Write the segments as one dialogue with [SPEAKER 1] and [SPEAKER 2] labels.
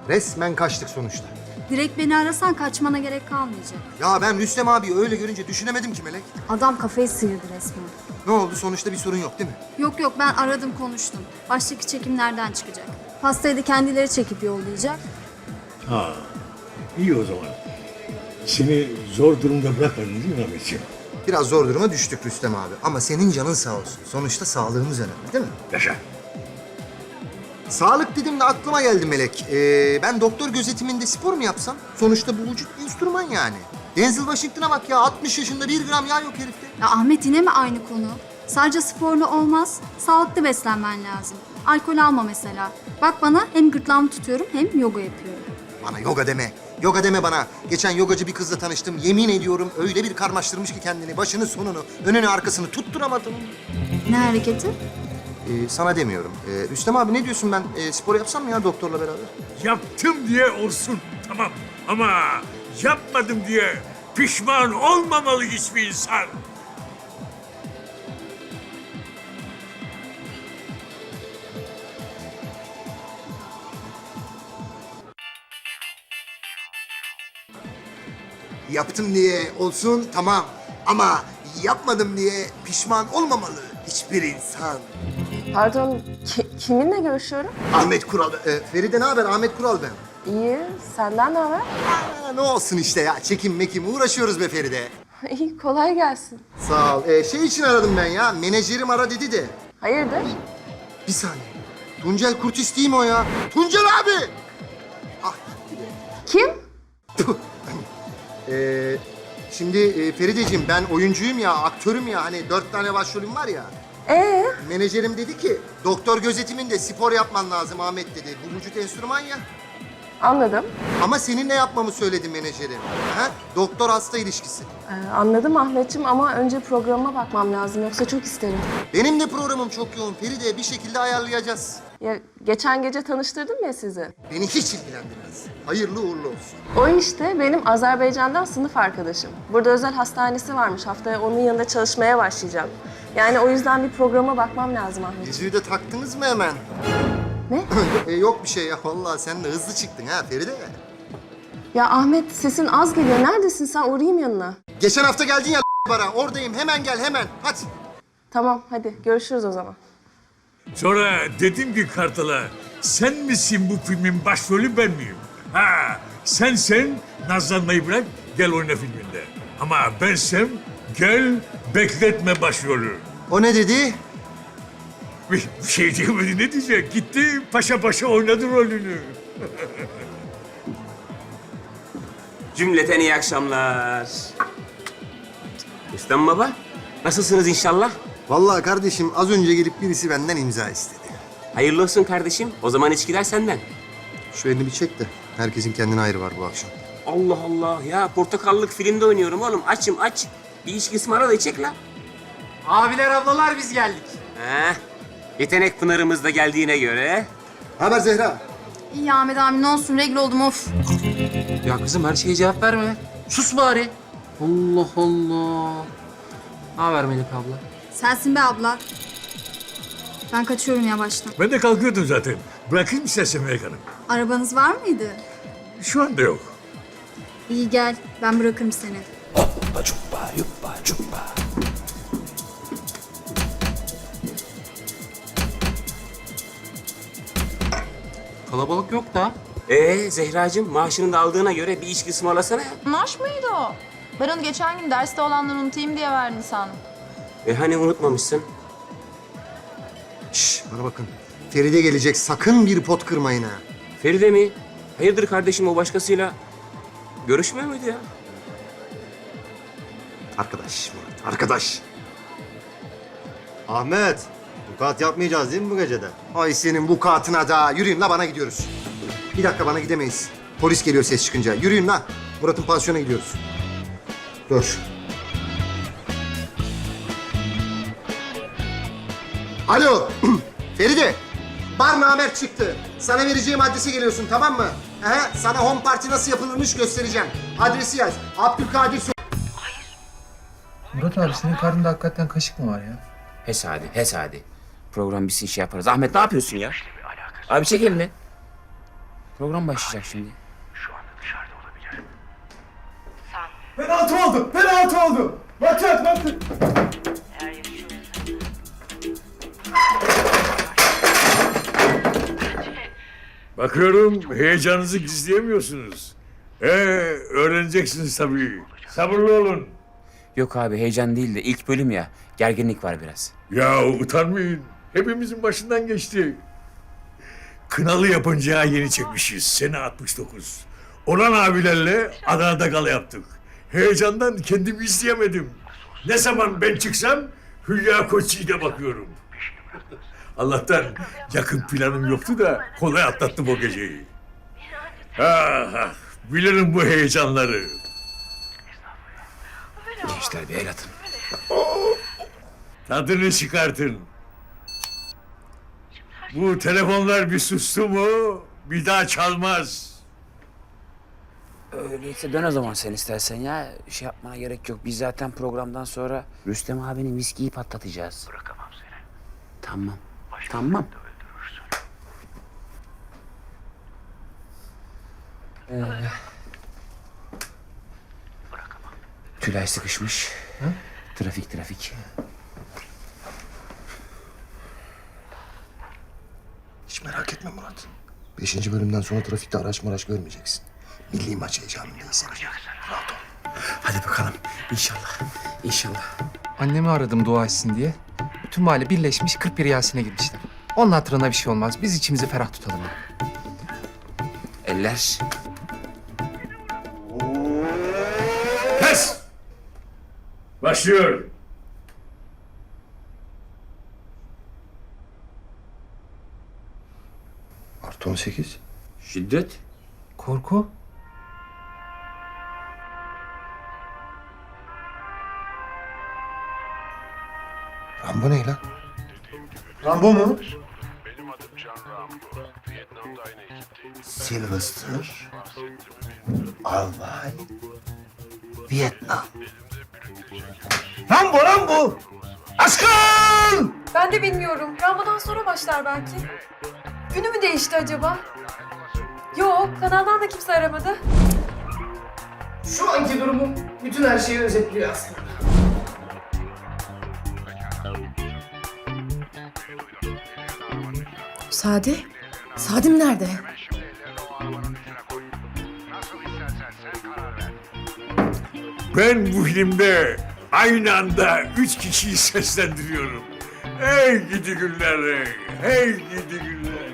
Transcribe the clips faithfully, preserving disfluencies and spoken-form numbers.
[SPEAKER 1] Resmen kaçtık sonuçta.
[SPEAKER 2] Direkt beni arasan kaçmana gerek kalmayacak.
[SPEAKER 1] Ya ben Rüstem abi öyle görünce düşünemedim ki Melek.
[SPEAKER 2] Adam kafayı sıyırdı resmen.
[SPEAKER 1] Ne oldu? Sonuçta bir sorun yok değil mi?
[SPEAKER 2] Yok yok ben aradım konuştum. Baştaki çekimlerden çıkacak. Pastayı da kendileri çekip yollayacak.
[SPEAKER 3] Ha, iyi o zaman. Seni zor durumda bırakmadın değil mi Ahmetciğim?
[SPEAKER 1] Biraz zor duruma düştük Rüstem abi. Ama senin canın sağ olsun. Sonuçta sağlığımız önemli değil mi?
[SPEAKER 3] Yaşa.
[SPEAKER 1] Sağlık dedim de aklıma geldi Melek. Ee, ben doktor gözetiminde spor mu yapsam? Sonuçta bu vücut enstrüman yani. Denzel Washington'a bak ya, altmış yaşında bir gram yağ yok herifte.
[SPEAKER 2] Ya Ahmet yine mi aynı konu? Sadece sporlu olmaz, sağlıklı beslenmen lazım. Alkol alma mesela. Bak bana hem gırtlağımı tutuyorum hem yoga yapıyorum.
[SPEAKER 1] Bana yoga deme. Yoga deme bana. Geçen yogacı bir kızla tanıştım. Yemin ediyorum öyle bir karmaştırmış ki kendini. Başını sonunu, önünü arkasını tutturamadım.
[SPEAKER 2] Ne hareketi?
[SPEAKER 1] Ee, sana demiyorum. Ee, Rüstem abi ne diyorsun, ben e, spor yapsam mı ya doktorla beraber?
[SPEAKER 3] Yaptım diye olsun, tamam. Ama yapmadım diye pişman olmamalı hiçbir insan.
[SPEAKER 1] Yaptım diye olsun tamam. Ama yapmadım diye pişman olmamalı hiçbir insan.
[SPEAKER 4] Pardon, ki- kiminle görüşüyorum?
[SPEAKER 1] Ahmet Kural. E, Feride ne haber? Ahmet Kural ben.
[SPEAKER 4] İyi, senden ne haber?
[SPEAKER 1] Aa, ne olsun işte ya. Çekim mekim uğraşıyoruz be Feride.
[SPEAKER 4] İyi, kolay gelsin.
[SPEAKER 1] Sağ ol. Ee, şey için aradım ben ya. Menajerim ara dedi de.
[SPEAKER 4] Hayırdır?
[SPEAKER 1] Bir saniye. Tuncel Kurtis değil mi o ya? Tuncel abi! Ah,
[SPEAKER 4] Kim?
[SPEAKER 1] tüh. Ee, şimdi e, Ferideciğim ben oyuncuyum ya, aktörüm ya. Hani dört tane başrolüm var ya.
[SPEAKER 4] Ee,
[SPEAKER 1] Menajerim dedi ki doktor gözetiminde spor yapman lazım Ahmet dedi. Bu vücut enstrüman ya.
[SPEAKER 4] anladım.
[SPEAKER 1] Ama seninle yapmamı söyledi menajerim. Ha? Doktor hasta ilişkisi.
[SPEAKER 4] Ee, anladım Ahmetciğim ama önce programa bakmam lazım yoksa çok isterim.
[SPEAKER 1] Benim de programım çok yoğun Feride. Bir şekilde ayarlayacağız.
[SPEAKER 4] Ya geçen gece tanıştırdım ya sizi.
[SPEAKER 1] Beni hiç ilgilendirmez. Hayırlı uğurlu olsun.
[SPEAKER 4] O işte benim Azerbaycan'dan sınıf arkadaşım. Burada özel hastanesi varmış. Haftaya onun yanında çalışmaya başlayacağım. Yani o yüzden bir programa bakmam lazım Ahmet.
[SPEAKER 1] Yüzüğü de taktınız mı hemen?
[SPEAKER 4] Ne?
[SPEAKER 1] e, yok bir şey ya. Vallahi sen de hızlı çıktın ha Feride.
[SPEAKER 4] Ya Ahmet sesin az geliyor. Neredesin sen? Uğrayayım yanına.
[SPEAKER 1] Geçen hafta geldin ya bara. Oradayım. Hemen gel hemen. Hadi.
[SPEAKER 4] Tamam hadi görüşürüz o zaman.
[SPEAKER 3] Sonra dedim ki Kartal'a, sen misin bu filmin başrolü, ben miyim? Ha, sen sen nazlanmayı bırak, gel oyna filminde. Ama bensem, gel bekletme başrolü.
[SPEAKER 1] O ne dedi?
[SPEAKER 3] Bir bir şey diyemedi, ne diyecek? Gitti, paşa paşa oynadı rolünü.
[SPEAKER 5] Cümleten iyi akşamlar. Rüstem Baba, nasılsınız inşallah?
[SPEAKER 1] Vallahi kardeşim az önce gelip birisi benden imza istedi.
[SPEAKER 5] Hayırlı olsun kardeşim. O zaman içkiler senden.
[SPEAKER 1] Şu elini bir çek de. Herkesin kendine ayrı var bu akşam.
[SPEAKER 5] Allah Allah ya, portakallık filmde oynuyorum oğlum. Açım aç. Bir içki ısmarla da içek la.
[SPEAKER 6] Abiler ablalar biz geldik.
[SPEAKER 5] Heh. Yetenek pınarımız da geldiğine göre.
[SPEAKER 1] Haber Zehra?
[SPEAKER 2] İyi Ahmet abi ne olsun regl oldum of.
[SPEAKER 6] Ya kızım her şeye cevap verme. Sus bari. Allah Allah. Ne haber Melek abla?
[SPEAKER 2] Sensin be abla. Ben kaçıyorum yavaştan.
[SPEAKER 3] Ben de kalkıyordum zaten. Bırakayım istersen Melek Hanım.
[SPEAKER 2] Arabanız var mıydı?
[SPEAKER 3] Şu anda yok.
[SPEAKER 2] İyi gel ben bırakırım seni.
[SPEAKER 6] Kalabalık yok da.
[SPEAKER 5] Ee Zehracığım, maaşını da aldığına göre bir içki ısmarlasana ya.
[SPEAKER 7] Maaş mıydı o? Ben onu geçen gün derste olanları unutayım diye verdin sandım.
[SPEAKER 5] E hani unutmamışsın?
[SPEAKER 1] Şş, bana bakın. Feride gelecek. Sakın bir pot kırmayın ha.
[SPEAKER 5] Feride mi? Hayırdır kardeşim, o başkasıyla görüşmüyor muydu ya?
[SPEAKER 1] Arkadaş Murat, arkadaş.
[SPEAKER 8] Ahmet, vukuat yapmayacağız değil mi bu gecede?
[SPEAKER 1] Ay senin bu katına da. Yürüyün la, bana gidiyoruz. Bir dakika, bana gidemeyiz. Polis geliyor ses çıkınca. Yürüyün la. Murat'ın pansiyona gidiyoruz. Dur. Alo. Feride. Bar namert çıktı. Sana vereceğim adrese geliyorsun, tamam mı? Aha, sana home party nasıl yapılırmış göstereceğim. Adresi yaz. Abdülkadir So-
[SPEAKER 9] Murat abi senin karnında hakikaten kaşık mı var ya?
[SPEAKER 5] Hes hadi, hes hadi. Program bitsin şey yaparız. Ahmet ne yapıyorsun ya? Abi çek elini.
[SPEAKER 6] Program başlayacak şimdi.
[SPEAKER 9] Penaltı oldu! Penaltı oldu! Bakın bakın!
[SPEAKER 3] Bakıyorum heyecanınızı gizleyemiyorsunuz. Ee, öğreneceksiniz tabii. Sabırlı olun.
[SPEAKER 6] Yok abi heyecan değil de ilk bölüm ya. Gerginlik var biraz.
[SPEAKER 3] Ya utanmayın. Hepimizin başından geçti. Kınalı yapınca yeni çekmişiz. Sene altmış dokuz. Orhan abilerle Adana'da gala yaptık. Heyecandan kendimi izleyemedim. Ne zaman ben çıksam Hülya Koçyiğit'e bakıyorum. Allah'tan yakın planım yoktu da kolay atlattım o geceyi. Ah, ah, bilirim bu heyecanları.
[SPEAKER 6] Gençler bir el atın.
[SPEAKER 3] Tadını çıkartın. Bu telefonlar bir sustu mu bir daha çalmaz.
[SPEAKER 6] Öyleyse dön o zaman sen istersen ya. Şey yapmana gerek yok. Biz zaten programdan sonra Rüstem abinin viskiyi patlatacağız. Bırakamam seni. Tamam. Tamam. Ee, Tülay sıkışmış. Trafik trafik.
[SPEAKER 1] Hiç merak etme Murat. Beşinci bölümden sonra trafikte araç maraç görmeyeceksin. Milli maç heyecanındayız. Rahat ol.
[SPEAKER 6] Hadi bakalım. İnşallah. İnşallah.
[SPEAKER 9] Annemi aradım dua etsin diye. Bütün mahalle birleşmiş kırk bir Yasin'e girmişler. Onun hatırına bir şey olmaz. Biz içimizi ferah tutalım.
[SPEAKER 6] Eller.
[SPEAKER 3] Kes! Başlıyor.
[SPEAKER 1] Artı on sekiz.
[SPEAKER 6] Şiddet.
[SPEAKER 9] Korku.
[SPEAKER 1] Rambo ne lan?
[SPEAKER 9] Rambo mu?
[SPEAKER 1] Sylvester. Albay. Vietnam. Rambo Rambo! Aşkım!
[SPEAKER 7] Ben de bilmiyorum. Rambo'dan sonra başlar belki. Günü mü değişti acaba? Yok, kanaldan da kimse aramadı.
[SPEAKER 9] Şu anki durumum bütün her şeyi özetliyor aslında.
[SPEAKER 7] Sadi? Sadim nerede?
[SPEAKER 3] Ben bu filmde aynı anda üç kişiyi seslendiriyorum. Hey gidi günler, hey, hey gidi günler.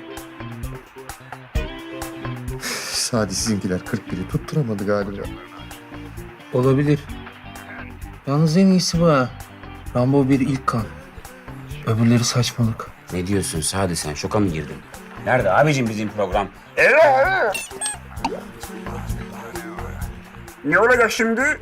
[SPEAKER 1] Sadi sizinkiler kırk biri tutturamadı galiba.
[SPEAKER 9] Olabilir. Yalnız en iyisi bu ha. Rambo bir ilk kan. Öbürleri saçmalık.
[SPEAKER 6] Ne diyorsun Sadi sen? Şoka mı girdin? Nerede abicim bizim program?
[SPEAKER 5] Ne olacak şimdi?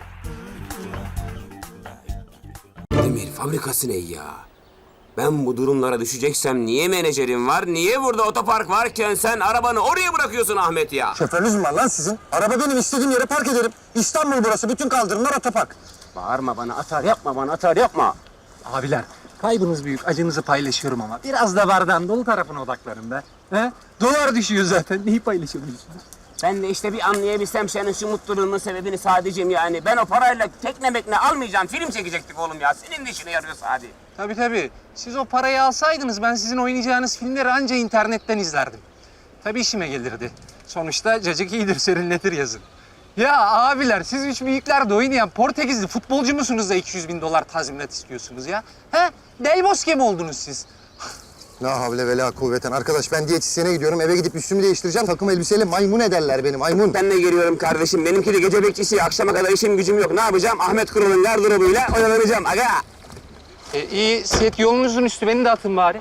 [SPEAKER 6] Demir fabrikası ne ya? Ben bu durumlara düşeceksem niye menajerim var? Niye burada otopark varken sen arabanı oraya bırakıyorsun Ahmet ya?
[SPEAKER 1] Şoförünüz mü var lan sizin? Araba benim istediğim yere park ederim. İstanbul burası. Bütün kaldırımlar otopark.
[SPEAKER 6] Bağırma bana, atar yapma bana, atar yapma.
[SPEAKER 9] Abiler, kaybınız büyük, acınızı paylaşıyorum ama biraz da bardağın dolu tarafına odaklanın be. He? Dolar düşüyor zaten, neyi paylaşabiliyorsunuz?
[SPEAKER 6] Ben de işte bir anlayabilsem senin şu mutluluğunun sebebini Sadi'cim yani. Ben o parayla tekne mekne almayacağım, film çekecektik oğlum ya. Senin de işine yarıyor Sadi.
[SPEAKER 9] Tabii tabii. Siz o parayı alsaydınız ben sizin oynayacağınız filmleri anca internetten izlerdim. Tabii işime gelirdi. Sonuçta cacık iyidir, serinletir yazın. Ya abiler, siz üç büyüklerde oynayan Portekizli futbolcu musunuz da iki yüz bin dolar tazminat istiyorsunuz ya? He? Del Bosque mi oldunuz siz?
[SPEAKER 1] La havle ve la kuvveten. Arkadaş ben diyetisyene gidiyorum. Eve gidip üstümü değiştireceğim. Takım elbiseyle maymun ederler beni, maymun.
[SPEAKER 5] Ben de geliyorum kardeşim. Benimki de gece bekçisi. Akşama kadar işim gücüm yok. Ne yapacağım? Ahmet Kural'ın gardırobuyla oyalanacağım. Aga!
[SPEAKER 9] E, iyi, set yolunuzun üstü. Beni de atın bari.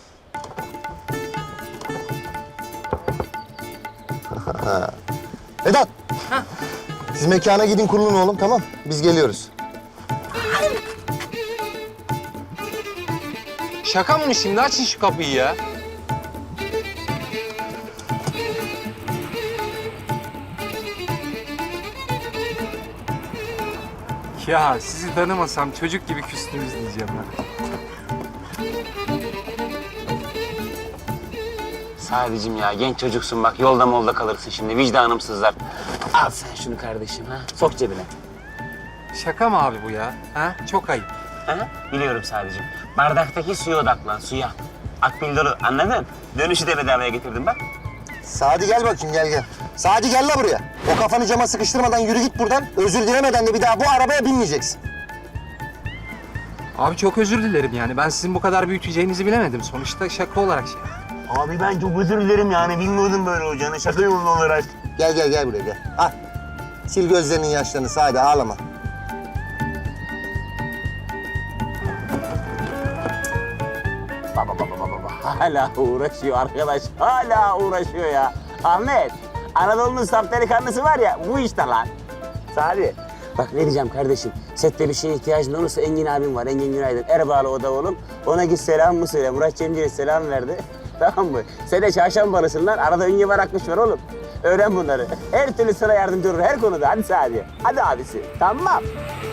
[SPEAKER 1] Vedat. Siz mekana gidin kurulun oğlum, tamam? Biz geliyoruz.
[SPEAKER 9] Şaka mı şimdi? Açın şu kapıyı ya. Ya sizi tanımasam çocuk gibi küstünüz diyeceğim ben.
[SPEAKER 5] Sadicim ya genç çocuksun bak yolda molda kalırsın şimdi vicdanımsızlar. Al sen şunu kardeşim ha. Sok cebine.
[SPEAKER 9] Şaka mı abi bu ya? Ha? Çok ayıp.
[SPEAKER 5] Ha? Biliyorum sadicim. Bardaktaki suya odaklan suya. Akbil dolu anladın? Dönüşü de bedavaya getirdim bak.
[SPEAKER 1] Sadi gel bakayım gel gel. Sadi gel la buraya. O kafanı cama sıkıştırmadan yürü git buradan. Özür dilemeden de bir daha bu arabaya binmeyeceksin.
[SPEAKER 9] Abi çok özür dilerim yani. Ben sizin bu kadar büyüteceğinizi bilemedim. Sonuçta şaka olarak şey.
[SPEAKER 5] Abi ben çok özür dilerim yani bilmiyordum böyle olacağını şaka yolunda olarak.
[SPEAKER 1] Gel gel gel buraya gel. Al. Sil gözlerinin yaşlarını Sadi ağlama.
[SPEAKER 5] Baba baba baba baba. Hala uğraşıyor arkadaş. Hala uğraşıyor ya. Ahmet, Anadolu'nun saf delikanlısı var ya bu işte lan. Sadi. Bak ne diyeceğim kardeşim. Sette bir şeye ihtiyacın olursa Engin abim var. Engin Günaydın. Erbağlı o da oğlum. Ona git selam mı söyle. Murat Cemcir'e selam verdi. Tamam mı? Sen de çarşambalısın lan. Arada ünye var akmış var oğlum. Öğren bunları. Her türlü sana yardımcı olur her konuda. Hadi Sadi. Hadi abisi. Tamam.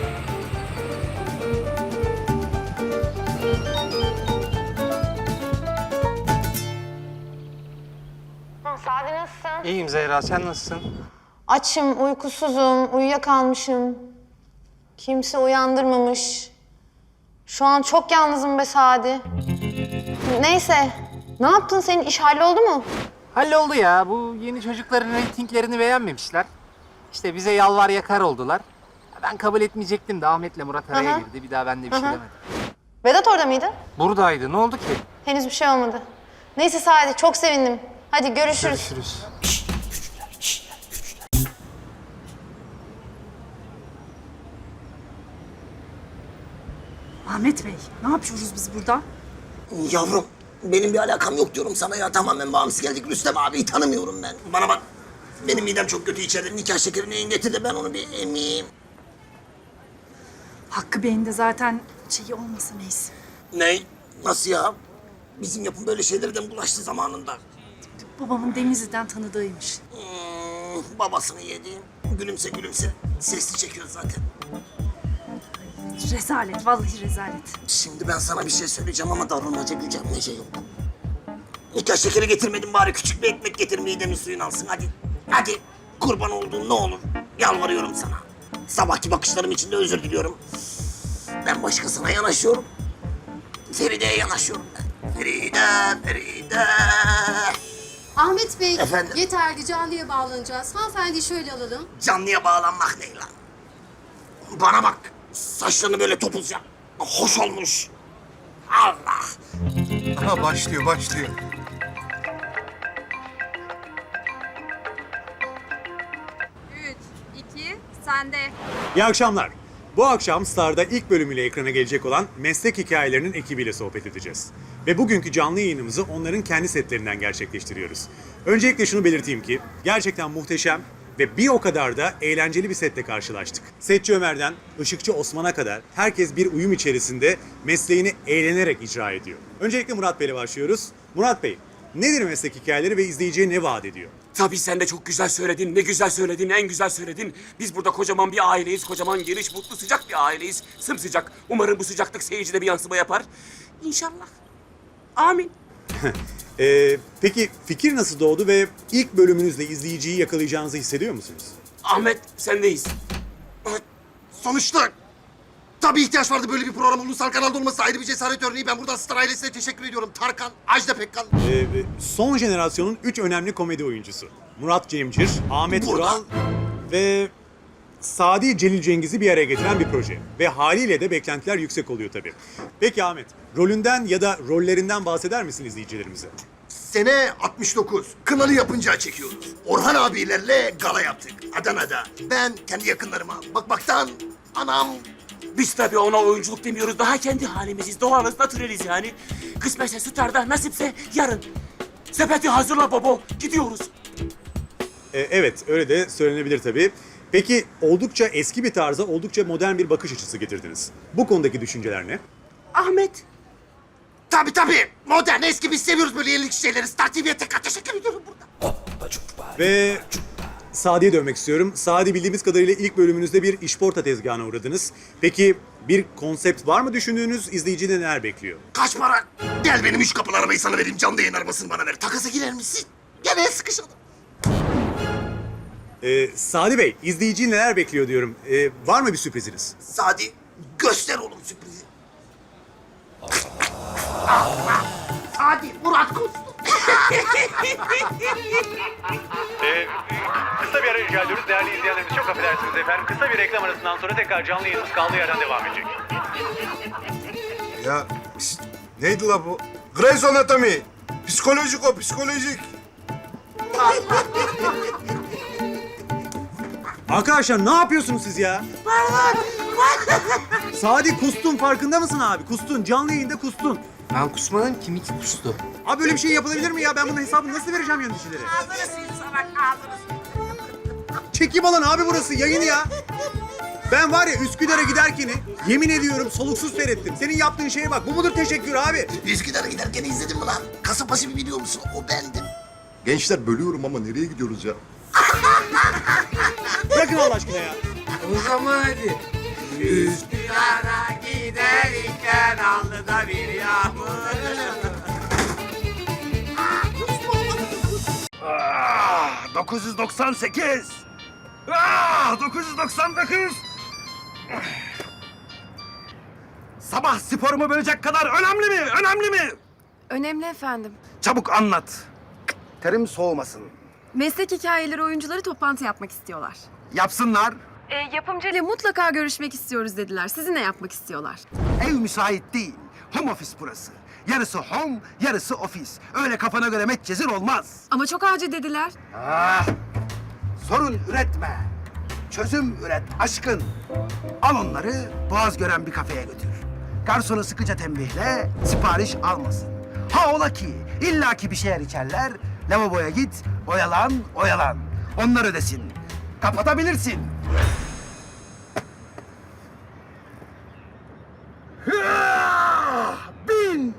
[SPEAKER 10] Sadi nasılsın?
[SPEAKER 9] İyiyim Zehra, sen nasılsın?
[SPEAKER 10] Açım, uykusuzum, uyuyakalmışım. Kimse uyandırmamış. Şu an çok yalnızım be Sadi. Neyse, ne yaptın? Senin iş halloldu mu?
[SPEAKER 9] Halloldu ya. Bu yeni çocukların reytinglerini beğenmemişler. İşte bize yalvar yakar oldular. Ben kabul etmeyecektim de Ahmet'le Murat araya
[SPEAKER 10] Hı hı.
[SPEAKER 9] girdi. Bir daha ben de bir şey
[SPEAKER 10] Hı hı.
[SPEAKER 9] demedim.
[SPEAKER 10] Vedat orada mıydı?
[SPEAKER 9] Buradaydı. Ne oldu ki?
[SPEAKER 10] Henüz bir şey olmadı. Neyse Sadi, çok sevindim. Hadi görüşürüz.
[SPEAKER 9] Görüşürüz.
[SPEAKER 2] Ahmet Bey, ne yapıyoruz biz burada?
[SPEAKER 1] Yavrum benim bir alakam yok diyorum sana ya. Tamamen bağımsız geldik. Rüstem abiyi tanımıyorum ben. Bana bak. Benim midem çok kötü içeride. Nikah şekerini getir de ben onu bir emeyim.
[SPEAKER 2] Hakkı Bey'in de zaten şeyi olmasa neyse.
[SPEAKER 1] Ne? Nasıl ya? Bizim yapım böyle şeylerden bulaştı zamanında.
[SPEAKER 2] Babamın Denizli'den tanıdığıymış.
[SPEAKER 1] Hmm, babasını yedi. Gülümse gülümse. Sesli çekiyor zaten.
[SPEAKER 2] Rezalet, vallahi rezalet.
[SPEAKER 1] Şimdi ben sana bir şey söyleyeceğim ama davranmaca gücenmece yok. Nikah şekeri getirmedim bari küçük bir ekmek getir midemin suyunu alsın hadi. Hadi kurban olduğum ne olur. Yalvarıyorum sana. Sabahki bakışlarım için de özür diliyorum. Ben başkasına yanaşıyorum. Feride'ye yanaşıyorum ben. Feride, Feride.
[SPEAKER 11] Ahmet Bey,
[SPEAKER 1] Efendim?
[SPEAKER 11] yeterli canlıya bağlanacağız. Hanımefendi şöyle alalım.
[SPEAKER 1] Canlıya bağlanmak ne lan? Bana bak. Saçlarını böyle topuz yap. Hoş olmuş. Allah.
[SPEAKER 8] Aha başlıyor başlıyor.
[SPEAKER 2] Üç, iki, sende.
[SPEAKER 12] İyi akşamlar. Bu akşam Star'da ilk bölümüyle ekrana gelecek olan meslek hikayelerinin ekibiyle sohbet edeceğiz. Ve bugünkü canlı yayınımızı onların kendi setlerinden gerçekleştiriyoruz. Öncelikle şunu belirteyim ki gerçekten muhteşem ve bir o kadar da eğlenceli bir setle karşılaştık. Setçi Ömer'den Işıkçı Osman'a kadar herkes bir uyum içerisinde mesleğini eğlenerek icra ediyor. Öncelikle Murat Bey'le başlıyoruz. Murat Bey, nedir meslek hikayeleri ve izleyiciye ne vaat ediyor?
[SPEAKER 6] Tabii sen de çok güzel söyledin. Ne güzel söyledin, en güzel söyledin. Biz burada kocaman bir aileyiz. Kocaman, geniş, mutlu, sıcak bir aileyiz. Sımsıcak. Umarım bu sıcaklık seyircide bir yansıma yapar. İnşallah. Amin.
[SPEAKER 12] Ee, peki fikir nasıl doğdu ve ilk bölümünüzle izleyiciyi yakalayacağınızı hissediyor musunuz?
[SPEAKER 6] Ahmet, sendeyiz.
[SPEAKER 1] Sonuçta tabii ihtiyaç vardı böyle bir program ulusal kanalda olması ayrı bir cesaret örneği. Ben buradan Star ailesine teşekkür ediyorum. Tarkan, Ajda Pekkan.
[SPEAKER 12] Ee, son jenerasyonun üç önemli komedi oyuncusu. Murat Cemcir, Ahmet
[SPEAKER 1] Burada.
[SPEAKER 12] Ural ve Sadi Celil Cengiz'i bir araya getiren bir proje. Ve haliyle de beklentiler yüksek oluyor tabii. Peki Ahmet, rolünden ya da rollerinden bahseder misin izleyicilerimize?
[SPEAKER 1] Sene altmış dokuz. Kınalı yapınca çekiyoruz. Orhan abilerle gala yaptık Adana'da. Ben kendi yakınlarıma bakmaktan anam.
[SPEAKER 6] Biz tabii ona oyunculuk demiyoruz. Daha kendi halimiziz. Doğalız, natüreliz yani. Kısmetse Star'da, nasipse yarın. Sepeti hazırla baba. Gidiyoruz.
[SPEAKER 12] Ee, evet, öyle de söylenebilir tabii. Peki oldukça eski bir tarza oldukça modern bir bakış açısı getirdiniz. Bu konudaki düşünceler ne?
[SPEAKER 6] Ahmet.
[SPEAKER 1] Tabii tabii. Modern, eski biz seviyoruz böyle yenilikçi şeyleri. Star T V'ye tekrar teşekkür ediyorum burada.
[SPEAKER 12] Ve Sadi'ye dönmek istiyorum. Sadi, bildiğimiz kadarıyla ilk bölümünüzde bir işporta tezgahına uğradınız. Peki bir konsept var mı düşündüğünüz? İzleyici de neler bekliyor?
[SPEAKER 1] Kaç para? Gel benim üç kapılı arabayı sana vereyim. Canlı yayın arabasını bana ver. Takasa girer misin? Gel el sıkışalım.
[SPEAKER 12] Ee, Sadi Bey, izleyici neler bekliyor diyorum. Ee, var mı bir sürpriziniz?
[SPEAKER 1] Sadi göster oğlum sürprizi. Ah, Sadi Murat Kustu.
[SPEAKER 12] Ee, kısa bir ara rica ediyoruz. Değerli izleyenlerimiz, çok affedersiniz efendim. Kısa bir reklam arasından sonra tekrar canlı yayınımız kaldığı yerden devam edecek.
[SPEAKER 8] Ya pis- neydi la bu? Grey's Anatomy. Psikolojik o, psikolojik.
[SPEAKER 12] Arkadaşlar ne yapıyorsunuz siz ya? Sadi, kustun, farkında mısın abi? Kustun, canlı yayında kustun.
[SPEAKER 9] Ben kusmadım, kim iki kustu?
[SPEAKER 12] Abi böyle bir şey yapılabilir mi ya? Ben bunun hesabını nasıl vereceğim yöneticilere? Çekim alan abi burası, yayın ya. Ben var ya Üsküdar'a giderken yemin ediyorum soluksuz seyrettim. Senin yaptığın şeye bak. Bu mudur teşekkür abi?
[SPEAKER 1] Üsküdar'a giderken izledin mi lan? Kasapbaşı bir biliyor musun? O bendim.
[SPEAKER 8] Gençler bölüyorum ama nereye gidiyoruz ya?
[SPEAKER 12] Bırakın Allah aşkına ya.
[SPEAKER 9] O zaman hadi.
[SPEAKER 1] Üsküdar'a giderken alnında bir yağmur.
[SPEAKER 3] Ah, dokuz yüz doksan sekiz. Ah, dokuz yüz doksan dokuz. Sabah sporumu bölecek kadar önemli mi? Önemli mi?
[SPEAKER 7] Önemli efendim.
[SPEAKER 3] Çabuk anlat. Terim soğumasın.
[SPEAKER 7] Meslek hikayeleri oyuncuları toplantı yapmak istiyorlar.
[SPEAKER 3] Yapsınlar.
[SPEAKER 7] E, yapımcıyla mutlaka görüşmek istiyoruz dediler. Sizinle yapmak istiyorlar.
[SPEAKER 3] Ev müsait değil. Home office burası. Yarısı home, yarısı ofis. Öyle kafana göre metcezir olmaz.
[SPEAKER 7] Ama çok acil dediler.
[SPEAKER 3] Ah! Sorun üretme. Çözüm üret aşkın. Al onları boğaz gören bir kafeye götür. Garsonu sıkıca tembihle, sipariş almasın. Ha ola ki illaki bir şeyler içerler. Lavaboya git, oyalan, oyalan. Onlar ödesin. Kapatabilirsin. Hıah! Bin!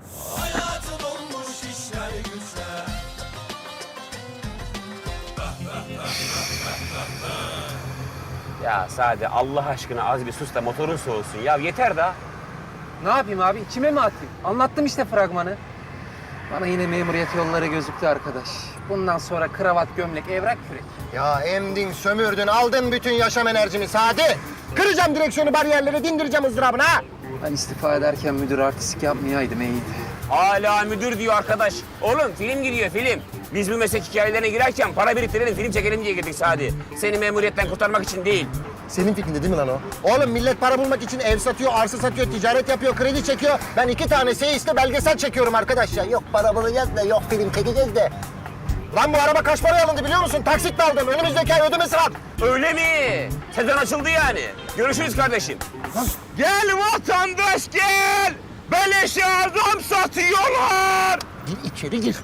[SPEAKER 6] Ya Sade, Allah aşkına az bir sus da motorun soğusun. Ya yeter da.
[SPEAKER 9] Ne yapayım abi? İçime mi atayım? Anlattım işte fragmanı. Bana yine memuriyet yolları gözüktü arkadaş. Bundan sonra kravat, gömlek, evrak, kürek.
[SPEAKER 13] Ya emdin, sömürdün, aldın bütün yaşam enerjimi Sadi. Kıracağım direksiyonu, bariyerleri, dindireceğim ızdırabını ha.
[SPEAKER 9] Ben istifa ederken müdür artistik yapmayaydım iyiydi.
[SPEAKER 6] Hala müdür diyor arkadaş. Oğlum film gidiyor film. Biz bu meslek hikayelerine girerken para biriktirelim, film çekelim diye girdik Sadi. Seni memuriyetten kurtarmak için değil.
[SPEAKER 13] Senin fikrinde değil mi lan o? Oğlum millet para bulmak için ev satıyor, arsa satıyor, ticaret yapıyor, kredi çekiyor. Ben iki tane seyisle belgesel çekiyorum arkadaş ya. Yok para bulacağız da, yok film çekeceğiz de. Lan bu araba kaç paraya alındı biliyor musun? Taksitle aldım. Önümüzdeki ay ödemesi var.
[SPEAKER 6] Öyle mi? Sezon açıldı yani. Görüşürüz kardeşim. Gel vatandaş gel. Beleşe adam satıyorlar.
[SPEAKER 13] Gir içeri gir.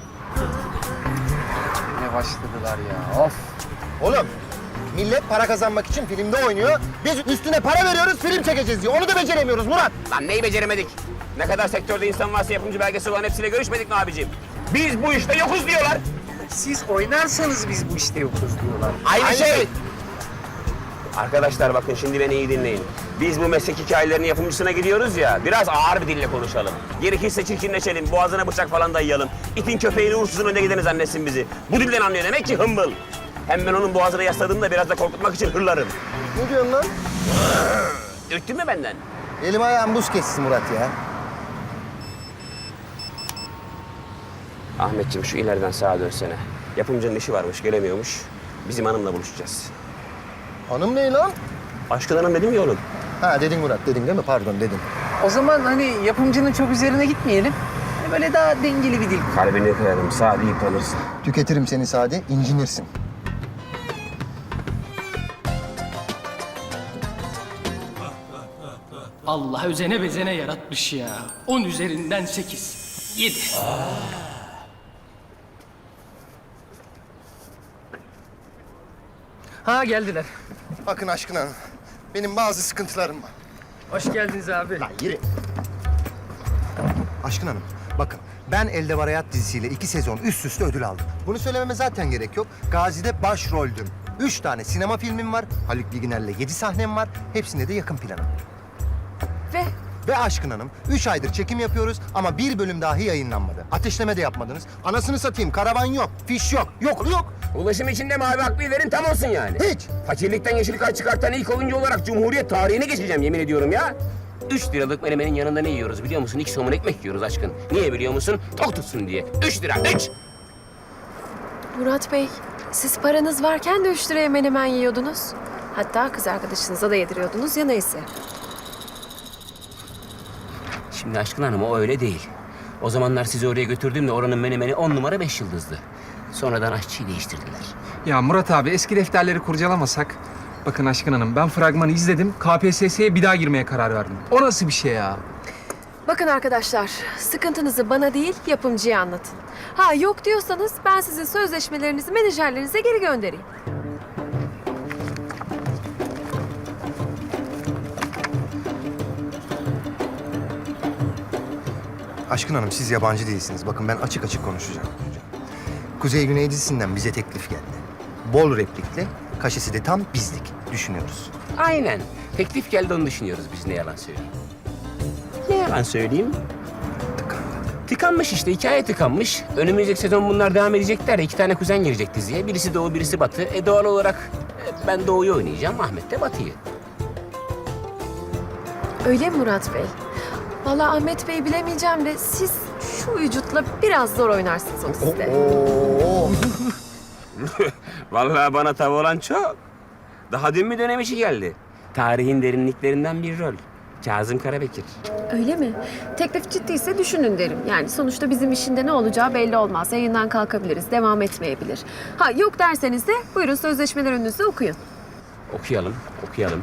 [SPEAKER 9] Ne başladılar ya, of.
[SPEAKER 13] Oğlum millet para kazanmak için filmde oynuyor. Biz üstüne para veriyoruz, film çekeceğiz diyor. Onu da beceremiyoruz Murat.
[SPEAKER 6] Lan neyi beceremedik? Ne kadar sektörde insan varsa yapımcı belgesi olan hepsiyle görüşmedik mi abicim? Biz bu işte yokuz diyorlar.
[SPEAKER 9] Siz oynarsanız biz bu işte yokuz diyorlar.
[SPEAKER 6] Aynı,
[SPEAKER 13] Aynı
[SPEAKER 6] şey.
[SPEAKER 13] şey.
[SPEAKER 6] Arkadaşlar bakın şimdi beni iyi dinleyin. Biz bu meslek hikayelerinin yapımcısına gidiyoruz ya, biraz ağır bir dille konuşalım. Gerekirse çirkinleşelim, boğazına bıçak falan dayayalım. İtin köpeğini uğursuzun önde gideni zannetsin bizi. Bu dilden anlıyor demek ki hımbıl. Hem ben onun boğazına yasladığımda biraz da korkutmak için hırlarım.
[SPEAKER 13] Ne diyorsun lan?
[SPEAKER 6] Ürktün mü benden?
[SPEAKER 13] Elim ayağım buz kessin Murat ya.
[SPEAKER 6] Ahmetciğim şu ileriden sağa dönsene. Yapımcının işi varmış, gelemiyormuş. Bizim hanımla buluşacağız.
[SPEAKER 13] Hanım ne lan?
[SPEAKER 6] Aşkın hanım dedim ya oğlum.
[SPEAKER 13] Ha dedin Murat, dedin değil mi? Pardon dedin.
[SPEAKER 9] O zaman hani yapımcının çok üzerine gitmeyelim. Hani böyle daha dengeli bir dil.
[SPEAKER 6] Kalbini kırarım, sağ deyip kalırsın.
[SPEAKER 13] Tüketirim seni Sadi, incinirsin.
[SPEAKER 14] Allah özene bezene yaratmış ya. On üzerinden sekiz. Yedi. Ha geldiler.
[SPEAKER 13] Bakın Aşkın Hanım, benim bazı sıkıntılarım var.
[SPEAKER 14] Hoş geldiniz abi.
[SPEAKER 13] Lan yürü. Aşkın Hanım, bakın ben Elde Var Hayat dizisiyle iki sezon üst üste ödül aldım. Bunu söylememe zaten gerek yok. Gazi'de başroldüm. Üç tane sinema filmim var. Haluk Bilginer'le yedi sahnem var. Hepsinde de yakın planım.
[SPEAKER 7] Ve
[SPEAKER 13] Ve Aşkın Hanım, üç aydır çekim yapıyoruz ama bir bölüm dahi yayınlanmadı. Ateşleme de yapmadınız. Anasını satayım, karavan yok, fiş yok, yok yok.
[SPEAKER 6] Ulaşım içinde mavi hakkıyı verin tam olsun yani.
[SPEAKER 13] Hiç.
[SPEAKER 6] Fakirlikten yeşil kart çıkartan ilk oyuncu olarak Cumhuriyet tarihine geçeceğim yemin ediyorum ya. Üç liralık menemenin yanında ne yiyoruz biliyor musun? İki somun ekmek yiyoruz aşkın. Niye biliyor musun? Tok tutsun diye. Üç lira, üç!
[SPEAKER 7] Murat Bey, siz paranız varken de üç liraya menemen yiyordunuz. Hatta kız arkadaşınıza da yediriyordunuz ya neyse.
[SPEAKER 6] Şimdi aşkın hanım o öyle değil. O zamanlar sizi oraya götürdüğümde oranın menemeni on numara beş yıldızdı. Sonradan aşçıyı değiştirdiler.
[SPEAKER 9] Ya Murat abi eski defterleri kurcalamasak. Bakın Aşkın Hanım ben fragmanı izledim. K P S S'ye bir daha girmeye karar verdim. O nasıl bir şey ya?
[SPEAKER 7] Bakın arkadaşlar, sıkıntınızı bana değil yapımcıya anlatın. Ha yok diyorsanız ben sizin sözleşmelerinizi menajerlerinize geri göndereyim.
[SPEAKER 13] Aşkın Hanım siz yabancı değilsiniz. Bakın ben açık açık konuşacağım. Kuzey Güney dizisinden bize teklif geldi. Bol replikle, kaşesi de tam bizlik düşünüyoruz.
[SPEAKER 6] Aynen. Teklif geldi onu düşünüyoruz biz ne yalan söyleyeyim. Ne yalan söyleyeyim? Tıkanmış işte, hikaye tıkanmış. Önümüzdeki sezon bunlar devam edecekler ya, iki tane kuzen girecek diziye. Birisi Doğu, birisi Batı. E doğal olarak e, ben Doğu'yu oynayacağım, Ahmet de Batı'yı.
[SPEAKER 7] Öyle mi Murat Bey? Vallahi Ahmet Bey bilemeyeceğim de siz şu vücutla biraz zor oynarsınız o dizide.
[SPEAKER 6] Vallahi bana tav olan çok. Daha dün mü dönem işi geldi? Tarihin derinliklerinden bir rol. Kazım Karabekir.
[SPEAKER 7] Öyle mi? Teklif ciddiyse düşünün derim. Yani sonuçta bizim işinde ne olacağı belli olmaz. Yayından kalkabiliriz, devam etmeyebilir. Ha yok derseniz de buyurun sözleşmeler önünüzde okuyun.
[SPEAKER 6] Okuyalım, okuyalım.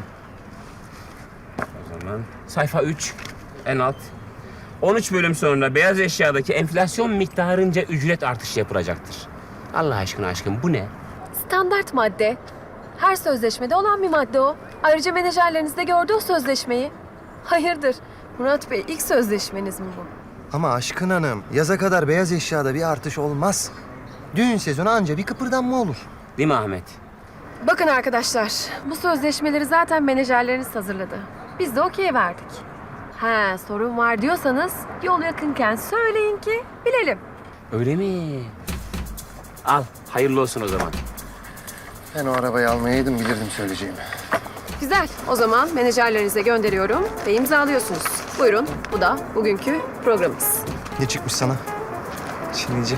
[SPEAKER 6] O zaman sayfa üç, en alt. on üç bölüm sonra beyaz eşyadaki enflasyon miktarınca ücret artışı yapılacaktır. Allah aşkına aşkım bu ne?
[SPEAKER 7] Standart madde. Her sözleşmede olan bir madde o. Ayrıca menajerleriniz de gördü o sözleşmeyi. Hayırdır? Murat Bey ilk sözleşmeniz mi bu?
[SPEAKER 13] Ama Aşkın Hanım, yaza kadar beyaz eşyada bir artış olmaz. Düğün sezonu anca bir kıpırdanma olur.
[SPEAKER 6] Değil mi Ahmet?
[SPEAKER 7] Bakın arkadaşlar, bu sözleşmeleri zaten menajerleriniz hazırladı. Biz de okey verdik. Ha sorun var diyorsanız yol yakınken söyleyin ki bilelim.
[SPEAKER 6] Öyle mi? Al, hayırlı olsun o zaman.
[SPEAKER 13] Ben o arabayı almayaydım bilirdim söyleyeceğimi.
[SPEAKER 7] Güzel. O zaman menajerlerinize gönderiyorum ve imzalıyorsunuz. Buyurun. Bu da bugünkü programımız.
[SPEAKER 13] Ne çıkmış sana?
[SPEAKER 9] Çinici.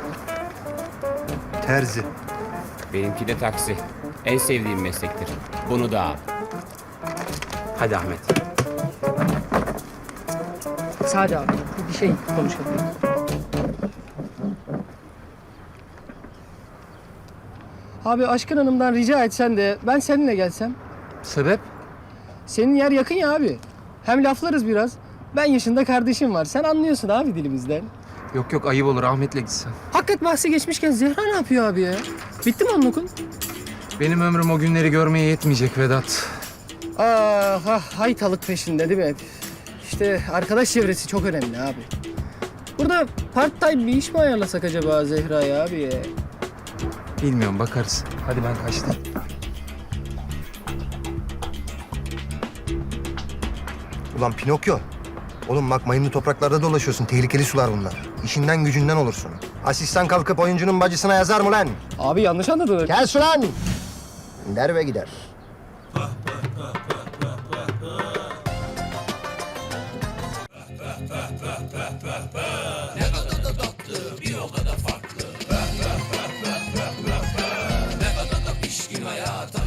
[SPEAKER 13] Terzi.
[SPEAKER 6] Benimki de taksi. En sevdiğim meslektir. Bunu da al. Hadi Ahmet.
[SPEAKER 14] Sade abi bir şey konuşalım. Abi Aşkın Hanım'dan rica etsen de ben seninle gelsem.
[SPEAKER 9] Sebep?
[SPEAKER 14] Senin yer yakın ya abi. Hem laflarız biraz. Ben yaşında kardeşim var. Sen anlıyorsun abi dilimizden.
[SPEAKER 9] Yok yok ayıp olur Ahmet'le gitsen.
[SPEAKER 14] Hakikat bahsi geçmişken Zehra ne yapıyor abi ya? Bitti mi onun okul?
[SPEAKER 9] Benim ömrüm o günleri görmeye yetmeyecek Vedat.
[SPEAKER 14] Ah ah haytalık peşinde değil mi? İşte arkadaş çevresi çok önemli abi. Burada part time bir iş mi ayarlasak acaba Zehra'ya abi ya?
[SPEAKER 9] Bilmiyorum bakarız. Hadi ben kaçtım.
[SPEAKER 13] Ulan Pinokyo. Oğlum bak mayınlı topraklarda dolaşıyorsun. Tehlikeli sular bunlar. İşinden gücünden olursun. Asistan kalkıp oyuncunun bacısına yazar mı lan?
[SPEAKER 14] Abi yanlış anladın.
[SPEAKER 13] Kes ulan! Der ve gider.
[SPEAKER 1] Hayata